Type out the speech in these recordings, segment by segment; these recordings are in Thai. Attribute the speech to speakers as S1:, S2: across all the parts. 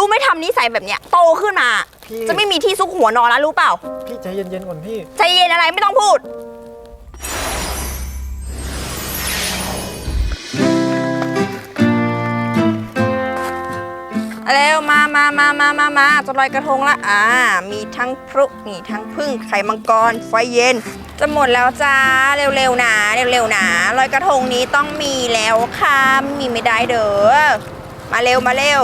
S1: ไม่ทำนิสัยแบบเนี้ยโตขึ้นมาจะไม่มีที่ซุกหัวนอนแล้วรู้เปล่า
S2: พี่ใจเย็นๆก่อนพี่
S1: ใจเย็นอะไรไม่ต้องพูดเร็วมาจะลอยกระทงละมีทั้งพลุมีทั้งพึ่งไข่มังกรไฟเย็นจะหมดแล้วจ้าเร็วๆนะลอยกระทงนี้ต้องมีแล้วค่ะมีไม่ได้เด้อมาเร็ว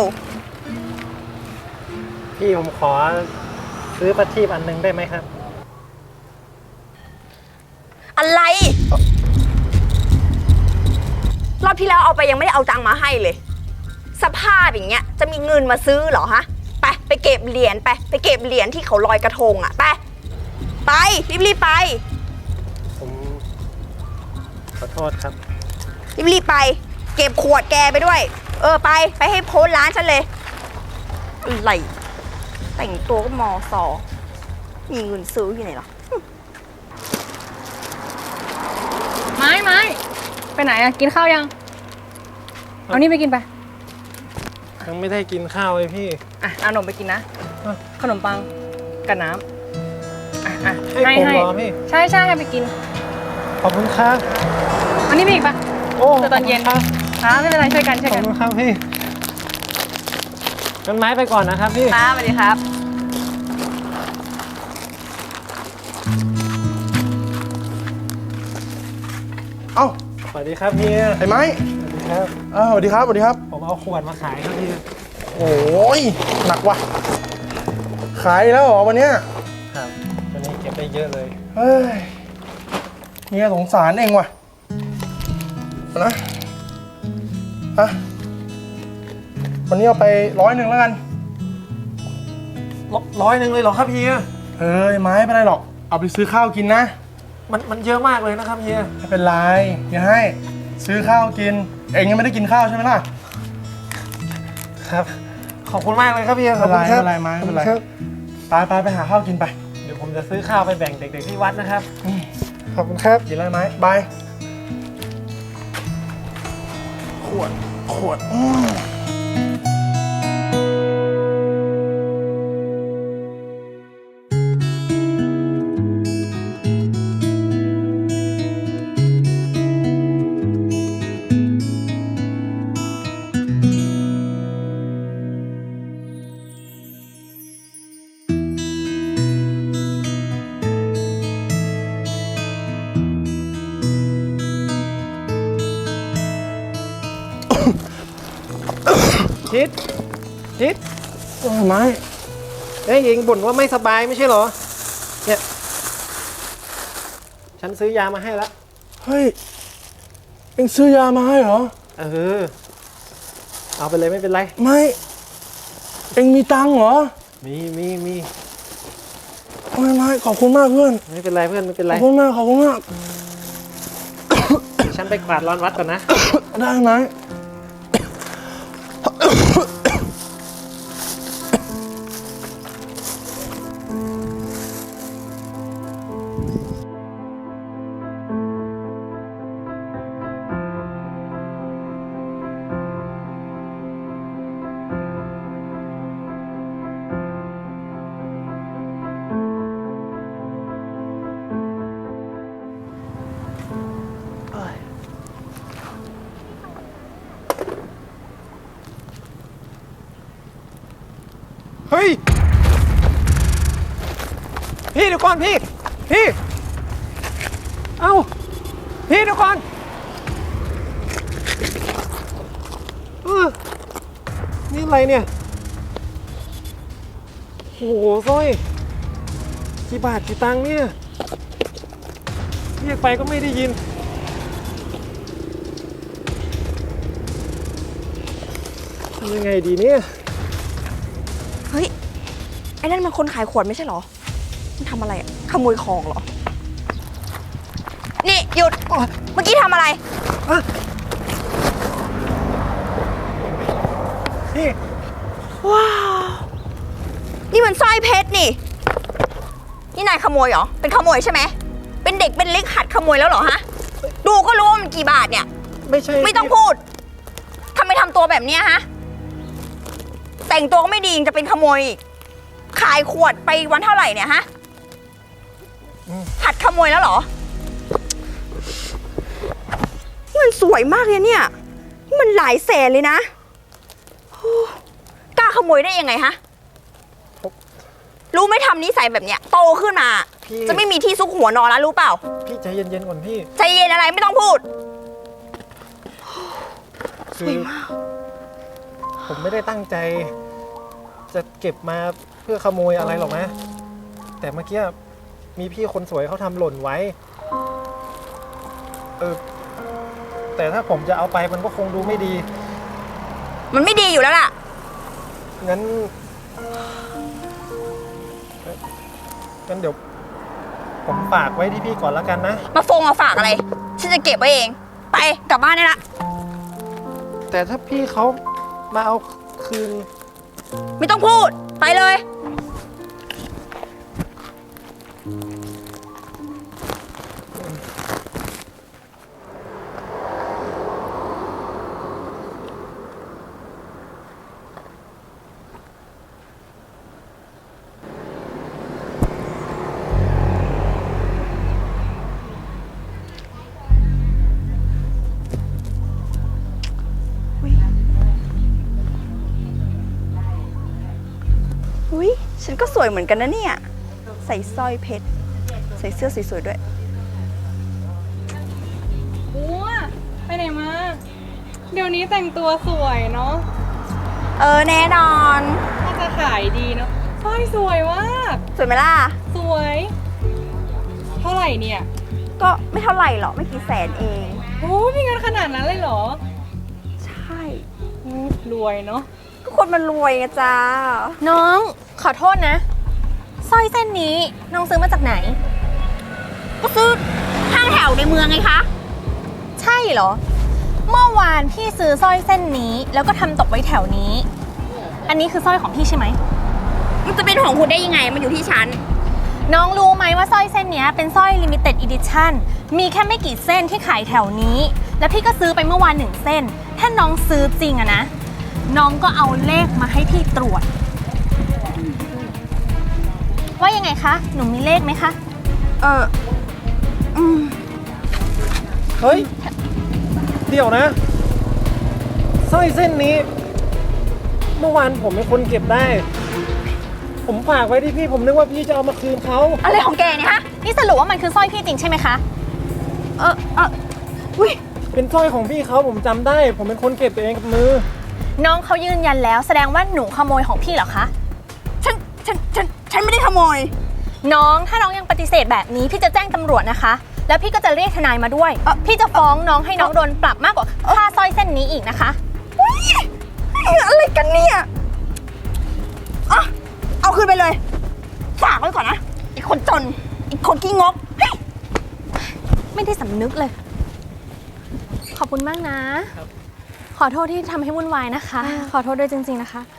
S2: พี่ผมขอซื้อประทีปอันหนึงได้ไหมครับ
S1: อะไรรอบที่แล้วเอาไปยังไม่ได้เอาตังค์มาให้เลยสภาพอย่างเงี้ยจะมีเงินมาซื้อเหรอฮะไปเก็บเหรียญไปเก็บเหรียญที่เขาลอยกระทงไปรีบไป
S2: ผมขอโทษครับ
S1: รีบไปเก็บขวดแกไปด้วยไปให้พ้นร้านฉันเลยอะไรแต่งตัวก็มอสอมีเงินซื้ออยู่ไหนหรอ
S3: ไม้ไปไหนอะกินข้าวยังเอานี่ไปกินไป
S2: ยังไม่ได้กินข้าวเลยพี่
S3: เอาขนมไปกินนะขนมปังกับน้ำ
S2: ให้ผมเหรอพี่
S3: ใช่ให้ไปกิน
S2: ขอบคุณครับ
S3: เอานี่ไปอีกปะ
S2: โอ้
S3: ตอนเย็นไม่เป็นไรช่วยกัน
S2: ขอบคุณครับพี่งั้นไม้ไปก่อนนะครับพี่
S3: สวัสดีครับ
S4: เอ้า
S2: สวัสดีครับพี่
S4: ไอ้ไม้
S2: สวัสดีครับ
S4: สวัสดีครับ
S2: ผมเอาขวดมาขายครับพี่
S4: โอ้ยหนักว่ะขายแล้วเหรอวันเนี้ย
S2: ครับวันนี้เก็บได้เยอะเลย
S4: เฮ้ยเมียสงสารเองว่ะนะวันนี้เอาไป100แล้วกัน
S2: 100เลยเหรอครับพี่
S4: เฮ้ยไม้ไม่เป็นไรหรอกเอาไปซื้อข้าวกินนะ
S2: มันเยอะมากเลยนะครับพี่
S4: ไม่เป็นไรอย่าให้ซื้อข้าวกินเองยังไม่ได้กินข้าวใช่ไหมล่ะ
S2: ครับขอบคุณมากเลยครับพี่
S4: ขอบคุณครับไม่เป็นไรไม้ไม่เป็นไรไปหาข้าวกินไป
S2: เดี๋ยวผมจะซื้อข้าวไปแบ่งเด็กๆที่วัดนะครับ
S4: ขอบคุณครับกินอะไรไหมบายขวด
S2: ชิด
S4: ไม้
S2: เอ้ยเองบ่นว่าไม่สบายไม่ใช่เหรอเนี่ยฉันซื้อยามาให้แล้ว
S4: เฮ้ยเอ็งซื้อยามาให้เหรอ
S2: เอาไปเลยไม่เป็นไร
S4: ไม่เอ็งมีตังค์เหรอ
S2: มี
S4: ไม่ขอบคุณมากเพื่อน
S2: ไม่เป็นไรเพื่อนไม่เป็นไร
S4: ขอบคุณมาก
S2: ฉันไปกวาดลานวัดก่อนนะ
S4: ได้ไหม
S2: เฮ้ยพี่เดี๋ยวก่อนพี่เอ้าพี่เดี๋ยวก่อนนี่อะไรเนี่ยโอ้โหสร้อยกี่บาทกี่ตังค์เนี่ยเรียกไปก็ไม่ได้ยินทำยังไงดีเนี่ย
S1: เฮ้ยไอ้นั่นมันคนขายขวดไม่ใช่เหรอมันทำอะไรขโมยของเหรอนี่หยุดเมื่อกี้ทำอะไร
S4: นี่
S1: ว้าวนี่มันสร้อยเพชรนี่นายขโมยเหรอเป็นขโมยใช่ไหมเป็นเด็กเป็นเล็กหัดขโมยแล้วเหรอฮะดูก็รู้ว่ามันกี่บาทเนี่ย
S2: ไม่ใช่
S1: ไม่ต้องพูดทำไมทำตัวแบบนี้ฮะแต่งตัวก็ไม่ดียังจะเป็นขโมยอีกขายขวดไปวันเท่าไหร่เนี่ยฮะหัดขโมยแล้วเหรอมันสวยมากเลยเนี่ยมันหลายแสนเลยนะโอ้กล้าขโมยได้ยังไงฮะรู้ไหม่ทำนิสัยแบบเนี้ยโตขึ้นมา
S2: พี่
S1: จะไม่มีที่ซุกหัวนอนแล้วรู้เปล่า
S2: พี่ใจเย็นๆก่อนพี่
S1: ใจเย็นอะไรไม่ต้องพูด
S2: คือผมไม่ได้ตั้งใจ จะเก็บมาเพื่อขโมยอะไรหรอกนะ แต่เมื่อกี้มีพี่คนสวยเขาทำหล่นไว้ แต่ถ้าผมจะเอาไปมันก็คงดูไม่ดี
S1: มันไม่ดีอยู่แล้วล่ะ
S2: งั้นเดี๋ยวผมฝากไว้ที่พี่ก่อนแล้วกันนะ
S1: มาฝากอะไรฉันจะเก็บไว้เอง ไปกลับบ้านได้ละ
S2: แต่ถ้าพี่เขามาเอาคืน
S1: ไม่ต้องพูดไปเลย อุ๊ยฉันก็สวยเหมือนกันนะเนี่ย ใส่สร้อยเพชร ใส่เสื้อสวยๆด้วย
S3: บัวไปไหนมา เดี๋ยวนี้แต่งตัวสวยเนาะ
S1: แน่นอน
S3: ถ้าจะขายดีเนาะสร้อยสวยมาก
S1: สวยไหมล่ะ
S3: สวย เท่าไหร่เนี่ย
S1: ก็ไม่เท่าไหร่หรอกไม่กี่แสนเอง
S3: โอ้มีเงินขนาดนั้นเลยเหรอ
S1: ใช่
S3: รวยเนาะ
S1: ก็คนมันรวยไงจ้า
S5: น้องขอโทษนะสร้อยเส้นนี้น้องซื้อมาจากไหน
S1: ก็ซื้อห้างแถวในเมืองไงคะ
S5: ใช่เหรอ เมื่อวานพี่ซื้อสร้อยเส้นนี้แล้วก็ทำตกไว้แถวนี้ อันนี้คือสร้อยของพี่ใช่ไหม
S1: มันจะเป็นของคุณได้ยังไง มันอยู่ที่ฉัน
S5: น้องรู้ไหมว่าสร้อยเส้นนี้เป็นสร้อย limited edition มีแค่ไม่กี่เส้นที่ขายแถวนี้ แล้วพี่ก็ซื้อไปเมื่อวาน1 เส้น ถ้าน้องซื้อจริงอะนะ น้องก็เอาเลขมาให้พี่ตรวจ ว่ายังไงคะ หนูมีเลขไหมคะ
S2: เฮ้ย เดี๋ยวนะสร้อยเส้นนี้ เมื่อวานผมเป็นคนเก็บได้ ผมฝากไว้ที่พี่ ผมนึกว่าพี่จะเอามาคืนเขา
S1: อะไรของแกเนี่ยฮะ
S5: นี่สรุปว่ามันคือสร้อยพี่จริงใช่ไหมคะ
S1: อุ้ย
S2: เป็นสร้อยของพี่เขาผมจำได้ ผมเป็นคนเก็บเองกับมือ
S5: น้องเขายืนยันแล้วแสดงว่าหนูขโมยของพี่เหรอคะ
S1: ฉันไม่ได้ขโมย
S5: น้องถ้าน้องยังปฏิเสธแบบนี้พี่จะแจ้งตำรวจนะคะ แล้วพี่ก็จะเรียกทนายมาด้วย พี่จะฟ้องน้องให้น้องโดนปรับมากกว่าค่าสร้อยเส้นนี้อีกนะคะ
S1: อุ๊ยอะไรกันเนี่ยอ่ะเอาคืนไปเลย ฝากไว้ก่อนนะ อีกคนจน อีกคนขี้งกเฮ้ย
S5: ไม่ได้สำนึกเลย ขอบคุณมากนะ ขอโทษที่ทำให้วุ่นวายนะคะ ขอโทษด้วยจริงๆนะคะ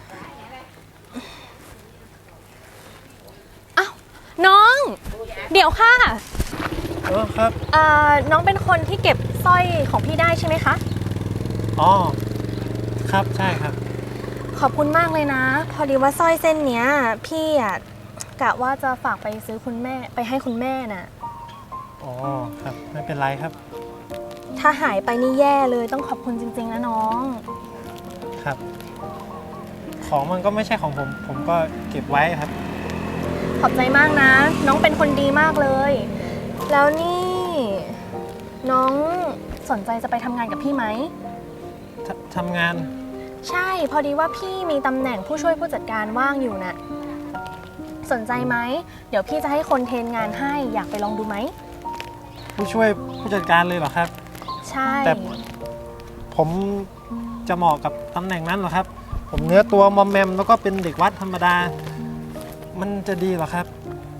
S5: อ้าวน้อง เดี๋ยวค่ะ
S2: ครับ
S5: น้องเป็นคนที่เก็บสร้อยของพี่ได้ใช่ไหมคะ
S2: อ๋อ ครับใช่ครับ
S5: ขอบคุณมากเลยนะ พอดีว่าสร้อยเส้นเนี้ยพี่อะกะว่าจะฝากไปซื้อคุณแม่ไปให้คุณแม่น่ะ
S2: อ๋อ ครับ ไม่เป็นไรครับ
S5: ถ้าหายไปนี่แย่เลยต้องขอบคุณจริงๆนะน้อง
S2: ครับ ของมันก็ไม่ใช่ของผม ผมก็เก็บไว้ครับ
S5: ขอบใจมากนะ น้องเป็นคนดีมากเลย แล้วนี่น้องสนใจจะไปทำงานกับพี่ไหม
S2: ทำงาน
S5: ใช่ พอดีว่าพี่มีตำแหน่งผู้ช่วยผู้จัดการว่างอยู่น่ะ สนใจไหม เดี๋ยวพี่จะให้คนเทรนงานให้อยากไปลองดูไหม
S2: ผู้ช่วยผู้จัดการเลยเหรอครับ
S5: ใช่
S2: แต่ ผมจะเหมาะกับตำแหน่งนั้นเหรอครับ ผมเนื้อตัวมอมแมมแล้วก็เป็นเด็กวัดธรรมดา มันจะดีเหรอครับ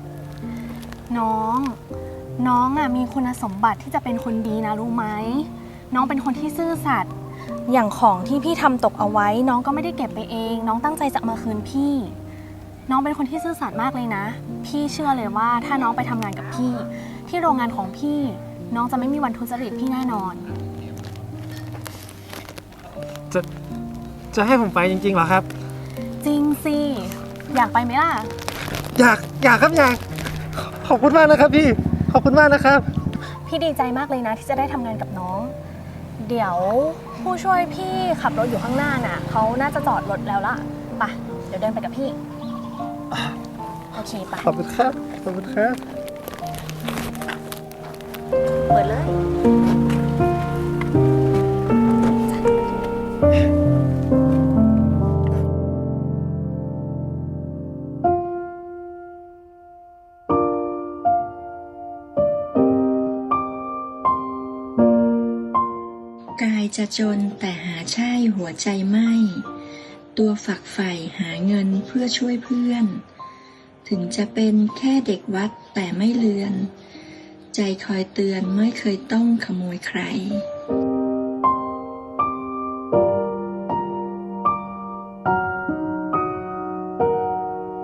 S5: น้องอ่ะมีคุณสมบัติที่จะเป็นคนดีนะรู้ไหม น้องเป็นคนที่ซื่อสัตย์อย่างของที่พี่ทำตกเอาไว้ น้องก็ไม่ได้เก็บไปเอง น้องตั้งใจจะมาคืนพี่ น้องเป็นคนที่ซื่อสัตย์มากเลยนะ พี่เชื่อเลยว่าถ้าน้องไปทำงานกับพี่ ที่โรงงานของพี่ น้องจะไม่มีวันทุจริตพี่แน่นอน
S2: จะให้ผมไปจริงๆเหรอครับ
S5: จริงสิ อยากไปไหมล่ะ
S2: อยากครับอยาก ขอบคุณมากนะครับพี่ ขอบคุณมากนะครับ
S5: พี่ดีใจมากเลยนะที่จะได้ทำงานกับน้อง เดี๋ยวผู้ช่วยพี่ขับรถอยู่ข้างหน้าน่ะเขาน่าจะจอดรถแล้วล่ะไปเดี๋ยวเดินไปกับพี่ โอเคไป
S2: ขอบคุณครับ ขอบคุณครับ
S5: เปิดเลย
S6: กายจะจนแต่หาใช่หัวใจไม่ ตัวฝักใฝ่หาเงินเพื่อช่วยเพื่อน ถึงจะเป็นแค่เด็กวัดแต่ไม่เลือน ใจคอยเตือนไม่เคยต้องขโมยใคร